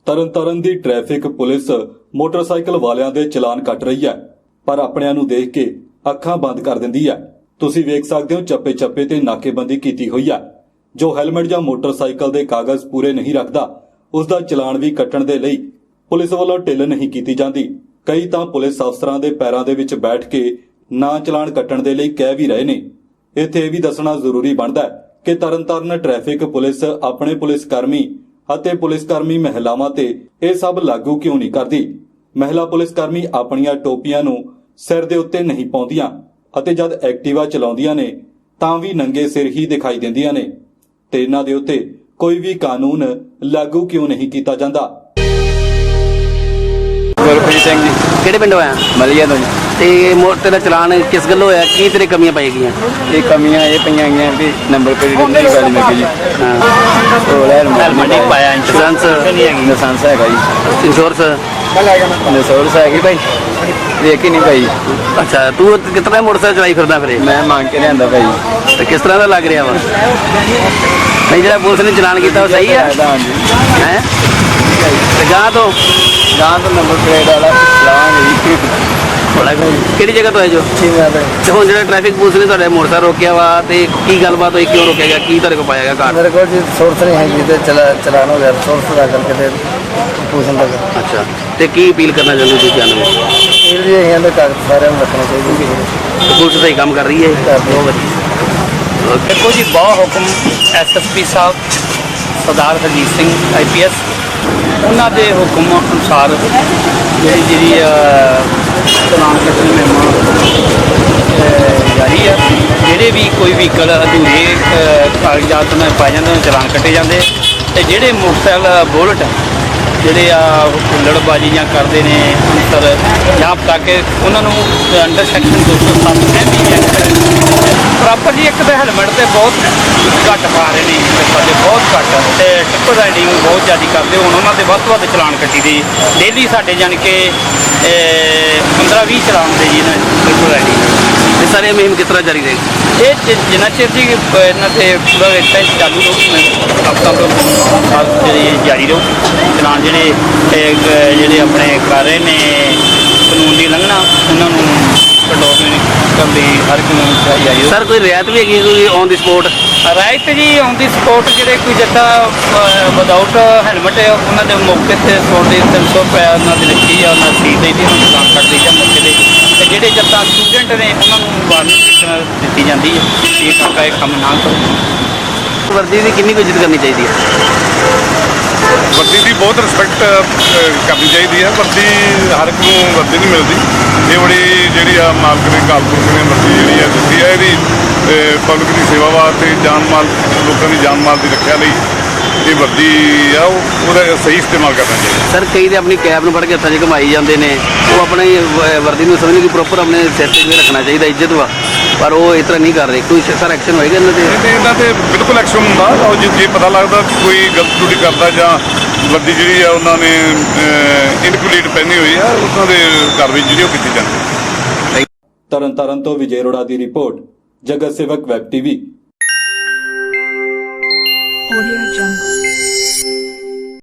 ਤਰਨਤਾਰਨ ਦੀ traffic police motorcycle ਵਾਲਿਆਂ ਦੇ ਚਲਾਨ ਕੱਟ ਰਹੀ ਹੈ, ਪਰ ਆਪਣਿਆਂ ਨੂੰ ਦੇਖ ਕੇ ਅੱਖਾਂ ਬੰਦ ਕਰ ਦਿੰਦੀ ਹੈ। ਤੁਸੀਂ ਵੇਖ ਸਕਦੇ ਹੋ ਚੱਪੇ-ਚੱਪੇ ਤੇ ਨਾਕੇਬੰਦੀ ਕੀਤੀ ਹੋਈ ਹੈ। ਜੋ ਹੈਲਮਟ ਜਾਂ ਮੋਟਰਸਾਈਕਲ ਦੇ ਕਾਗਜ਼ ਪੂਰੇ ਨਹੀਂ ਰੱਖਦਾ, ਉਸ ਦਾ ਚਲਾਨ ਵੀ ਕੱਟਣ ਦੇ ਲਈ ਪੁਲਿਸ ਵੱਲੋਂ ਢਿੱਲ ਨਹੀਂ ਕੀਤੀ ਜਾਂਦੀ। ਕਈ ਤਾਂ ਪੁਲਿਸ ਅਫਸਰਾਂ ਦੇ ਪੈਰਾਂ ਦੇ ਵਿੱਚ ਬੈਠ ਕੇ ਨਾ ਚਲਾਨ ਕੱਟਣ ਦੇ ਲਈ ਕਹਿ ਵੀ ਰਹੇ ਨੇ। ਇੱਥੇ ਇਹ ਵੀ ਦੱਸਣਾ ਜ਼ਰੂਰੀ ਬਣਦਾ ਹੈ ਕਿ ਤਰਨਤਾਰਨ ਟ੍ਰੈਫਿਕ ਪੁਲਿਸ ਆਪਣੇ ਪੁਲਿਸ ਕਰਮੀ ਅਤੇ ਪੁਲਿਸ ਕਰਮੀ ਮਹਿਲਾਵਾਂ ਤੇ ਇਹ ਸਭ ਲਾਗੂ ਕਿਉਂ ਨਹੀਂ ਕਰਦੀ। ਮਹਿਲਾ ਪੁਲਿਸ ਕਰਮੀ ਆਪਣੀਆਂ ਟੋਪੀਆਂ ਨੂੰ ਸਿਰ ਦੇ ਉੱਤੇ ਨਹੀਂ ਪਾਉਂਦੀਆਂ ਅਤੇ ਜਦ ਐਕਟਿਵਾ ਚਲਾਉਂਦੀਆਂ ਨੇ ਤਾਂ ਵੀ ਨੰਗੇ ਸਿਰ ਹੀ ਦਿਖਾਈ ਦਿੰਦੀਆਂ ਨੇ, ਤੇ ਇਹਨਾਂ ਦੇ ਉੱਤੇ ਕੋਈ ਵੀ ਕਾਨੂੰਨ ਲਾਗੂ ਕਿਉਂ ਨਹੀਂ ਕੀਤਾ ਜਾਂਦਾ। ਗੁਰਪ੍ਰੀਤ ਸਿੰਘ ਜੀ, ਕਿਹੜੇ ਪਿੰਡੋਂ ਆਇਆ ਮਲੀਆ ਤੋਂ ਜੀ। ਤੇ ਤੇਰਾ ਚਲਾਨ ਕਿਸ ਗੱਲੋਂ ਹੋਇਆ? ਕੀ ਤੇਰੇ ਕਮੀਆਂ ਪਾਈ ਗਈਆਂ? ਇਹ ਕਮੀਆਂ ਇਹ ਪਈਆਂ ਗਈਆਂ ਕਿ ਨੰਬਰ ਪਲੇਟ ਨਹੀਂ ਵਾਲੀ ਲੱਗੀ ਜੀ। ਉਹ ਹੈਲਮਟ ਨਹੀਂ ਪਾਇਆ, ਇੰਸ਼ੋਰੈਂਸ ਨਹੀਂ ਹੈਗੀ, ਲਾਇਸੈਂਸ ਹੈਗਾ ਜੀ, ਇੰਸ਼ੋਰੈਂਸ ਲਾਇਸੈਂਸ ਹੈਗੀ ਭਾਈ, ਵੇਖ ਹੀ ਨਹੀਂ ਭਾਈ। ਅੱਛਾ, ਤੂੰ ਕਿਤਨਾ ਮੋਟਰਸਾਈਕਲ ਚਲਾਈ ਫਿਰਦਾ ਫਿਰ? ਮੈਂ ਮੰਗ ਕੇ ਲਿਆਂਦਾ ਭਾਈ। ਤੇ ਕਿਸ ਤਰ੍ਹਾਂ ਦਾ ਲੱਗ ਰਿਹਾ ਵਾ? ਨਹੀਂ, ਜਿਹੜਾ ਪੁਲਿਸ ਨੇ ਚਲਾਨ ਕੀਤਾ ਉਹ ਸਹੀ ਹੈ? ਹੈ ਤੇ ਗਾਂ ਤੋਂ ਨੰਬਰ ਪਲੇਟ ਵਾਲਾ ਚਲਾਵਾਂਗੇ ਜੀ। ਬੜਾ ਕਿਹੜੀ ਜਗ੍ਹਾ ਤੋਂ ਹੈ ਜੋ? ਤੇ ਹੁਣ ਜਿਹੜਾ ਟ੍ਰੈਫਿਕ ਪੁਲਿਸ ਨੇ ਤੁਹਾਡੇ ਮੋਟਰਸਾਈਕਲ ਰੋਕਿਆ ਵਾ, ਤੇ ਕੀ ਗੱਲਬਾਤ ਹੋਈ, ਕਿਉਂ ਰੋਕਿਆ ਗਿਆ, ਕੀ ਤੁਹਾਡੇ ਕੋਲ ਪਾਇਆ ਗਿਆ ਕਾਰਡ? ਮੇਰੇ ਕੋਲ ਜੀ ਸੋਰਸ ਨਹੀਂ ਹੈਗੀ ਤੇ ਚਲਾਨ ਹੋ ਗਿਆ, ਸੋਰਸ ਦਾ ਕਰਕੇ ਤੇ ਪੁਲਿਸ ਦਾ। ਅੱਛਾ, ਤੇ ਕੀ ਅਪੀਲ ਕਰਨਾ ਚਾਹੁੰਦੇ ਤੁਸੀਂ ਜਾਣੋ? ਇਹ ਵੀ ਇਹਨਾਂ ਦੇ ਕਾਗਜ਼ ਸਾਰਿਆਂ ਨੂੰ ਰੱਖਣਾ ਚਾਹੀਦਾ। ਪੁਲਿਸ ਸਹੀ ਕੰਮ ਕਰ ਰਹੀ ਹੈ, ਬਹੁਤ ਵਧੀਆ। देखो जी, बहुत हुक्म SSP साहब सरदार हरजीत ਸਿੰਘ IPS ਉਹਨਾਂ ਦੇ ਹੁਕਮ ਅਨੁਸਾਰ ਜਿਹੜੀ ਚਲਾਨ ਕੱਟਣ ਮਹਿਮਾ ਜਾਰੀ ਹੈ। ਜਿਹੜੇ ਵੀ ਕੋਈ ਵਹੀਕਲ ਅਧੂਰੇ ਕਾਗਜ਼ਾਤ ਨਾਲ ਪਾਏ ਜਾਂਦੇ ਉਹਨਾਂ ਚਲਾਨ ਕੱਟੇ ਜਾਂਦੇ, ਤੇ ਜਿਹੜੇ ਮੋਟਰਸਾਈਕਲ ਬੁਲਟ ਜਿਹੜੇ ਆ ਹੁੱਲੜਬਾਜ਼ੀ ਜਾਂ ਕਰਦੇ ਨੇ ਅੰਤਰ ਜਾਂ ਪਟਾ ਕੇ ਉਹਨਾਂ ਨੂੰ ਅੰਡਰ ਸੈਕਸ਼ਨ 207 ਪ੍ਰੋਪਰ ਜੀ। ਇੱਕ ਤਾਂ ਹੈਲਮਟ ਤੇ ਬਹੁਤ ਘੱਟ ਪਾ ਰਹੇ ਨੇ ਸਾਡੇ, ਬਹੁਤ ਘੱਟ, ਤੇ ਟਿੱਪਰ ਰਾਈਡਿੰਗ ਬਹੁਤ ਜ਼ਿਆਦਾ ਕਰਦੇ। ਹੁਣ ਉਹਨਾਂ ਦੇ ਵੱਧ ਤੋਂ ਵੱਧ ਚਲਾਨ ਕੱਟੀ ਦੇ ਡੇਲੀ ਸਾਡੇ ਜਾਣੀ ਕਿ 15-20 ਚਲਾਨ ਦੇ ਜੀ ਇਹਨਾਂ ਟਿੱਪਰ ਰਾਈਡਿੰਗ। ਇਹ ਸਾਰੇ ਮੁਹਿੰਮ ਕਿਸ ਤਰ੍ਹਾਂ ਜਾਰੀ ਰਹੇਗੀ? ਇਹ ਜਿੰਨਾ ਚਿਰ ਜੀ ਇਹਨਾਂ ਤੇ ਪੂਰਾ ਟੈਸਟ ਚਾਲੂ ਰਹੂ, ਹਫ਼ਤਾ ਤੋਂ ਜਿਹੜੀ ਜਾਰੀ ਰਹੂ। ਚਲਾਨ ਜਿਹੜੇ ਆਪਣੇ ਕਰ ਰਹੇ ਨੇ ਕਾਨੂੰਨ ਦੀ ਉਲੰਘਣਾ, ਉਹਨਾਂ ਨੂੰ ਕੰਟਰੋਲ ਕਰਨ ਲਈ ਹਰ ਕਾਨੂੰਨ ਜਾਰੀ। ਸਰ, ਕੋਈ ਰਿਆਇਤ ਵੀ ਹੈਗੀ ਕੋਈ ਔਨ ਦੀ ਸਪੋਰਟ? ਰਾਈਟ ਜੀ, ਔਨ ਦੀ ਸਪੋਰਟ ਜਿਹੜੇ ਕੋਈ ਜੱਟਾ ਵਿਦਆਊਟ ਹੈਲਮਟ ਉਹਨਾਂ ਦੇ ਮੌਕੇ ਤੇ 100 ਦੇ 300 ਰੁਪਏ ਉਹਨਾਂ ਦੀ ਲਿਖੀ ਆ, ਉਹਨਾਂ ਸੀਟ ਦੇ ਉਹਨਾਂ ਨੂੰ ਚਲਾਨ ਕੱਟ ਦਈਦਾ ਮੌਕੇ ਤੇ। ਤੇ ਜਿਹੜੇ ਜੱਟਾ ਸਟੂਡੈਂਟ ਨੇ ਉਹਨਾਂ ਨੂੰ ਵਾਰਨਿੰਗ ਦਿੱਤੀ ਜਾਂਦੀ ਹੈ ਇਹ ਕਾਕਾ ਇਹ ਕੰਮ ਨਾ ਕਰੋ। ਵਰਦੀ ਦੀ ਕਿੰਨੀ ਕੁ ਇੱਜ਼ਤ ਕਰਨੀ ਚਾਹੀਦੀ ਹੈ? ਵਰਦੀ ਦੀ ਬਹੁਤ ਰਿਸਪੈਕਟ ਕਰਨੀ ਚਾਹੀਦੀ ਹੈ। ਵਰਦੀ ਹਰ ਇੱਕ ਨੂੰ ਵਰਦੀ ਨਹੀਂ ਮਿਲਦੀ। ਇਹ ਬੜੀ ਜਿਹੜੀ ਆ ਮਾਲਕ ਨੇ ਕਾਲਪੁਰਖ ਨੇ ਵਰਦੀ ਜਿਹੜੀ ਆ ਦਿੱਤੀ ਹੈ, ਇਹਦੀ ਪਬਲਿਕ ਦੀ ਸੇਵਾ ਵਾਸਤੇ, ਜਾਨ ਮਾਲ ਲੋਕਾਂ ਦੀ ਜਾਨ ਮਾਲ ਦੀ ਰੱਖਿਆ ਲਈ ਇਹ ਵਰਦੀ ਆ ਉਹਦਾ ਸਹੀ ਇਸਤੇਮਾਲ ਕਰਨਾ ਚਾਹੀਦਾ। ਸਰ, ਕਈ ਤੇ ਆਪਣੀ ਕੈਬ ਨੂੰ ਫੜ ਕੇ ਹੱਥਾਂ 'ਚ ਘੁਮਾਈ ਜਾਂਦੇ ਨੇ, ਉਹ ਆਪਣੀ ਵਰਦੀ ਨੂੰ ਸਮਝਦੇ ਕਿ ਪ੍ਰੋਪਰ ਆਪਣੇ ਸਿਰ 'ਤੇ ਵੀ ਰੱਖਣਾ ਚਾਹੀਦਾ, ਇੱਜ਼ਤ ਵਾ, ਪਰ ਉਹ ਇਸ ਤਰ੍ਹਾਂ ਨਹੀਂ ਕਰ ਰਹੇ। ਕੋਈ ਸਰ ਐਕਸ਼ਨ ਹੋਏਗਾ ਇਹਨਾਂ 'ਤੇ? ਇਹਨਾਂ 'ਤੇ ਬਿਲਕੁਲ ਐਕਸ਼ਨ ਹੁੰਦਾ। ਔਰ ਜੇ ਪਤਾ ਲੱਗਦਾ ਕਿ ਕੋਈ ਗਲਤ ਡਿਊਟੀ ਕਰਦਾ ਜਾਂ ਵਰਦੀ ਜਿਹੜੀ ਆ ਉਹਨਾਂ ਨੇ ਇਨਕੰਪਲੀਟ ਪਹਿਨੀ ਹੋਈ ਆ, ਉਹਨਾਂ ਦੇ ਕਾਰਵਾਈ ਜਿਹੜੀ ਉਹ ਕੀਤੀ ਜਾਂਦੀ ਹੈ। ਤਰਨਤਾਰਨ ਤੋਂ ਵਿਜੇ ਅਰੋੜਾ ਦੀ ਰਿਪੋਰਟ, ਜਗਤ ਸੇਵਕ ਵੈਬ TV। Audio Jungle।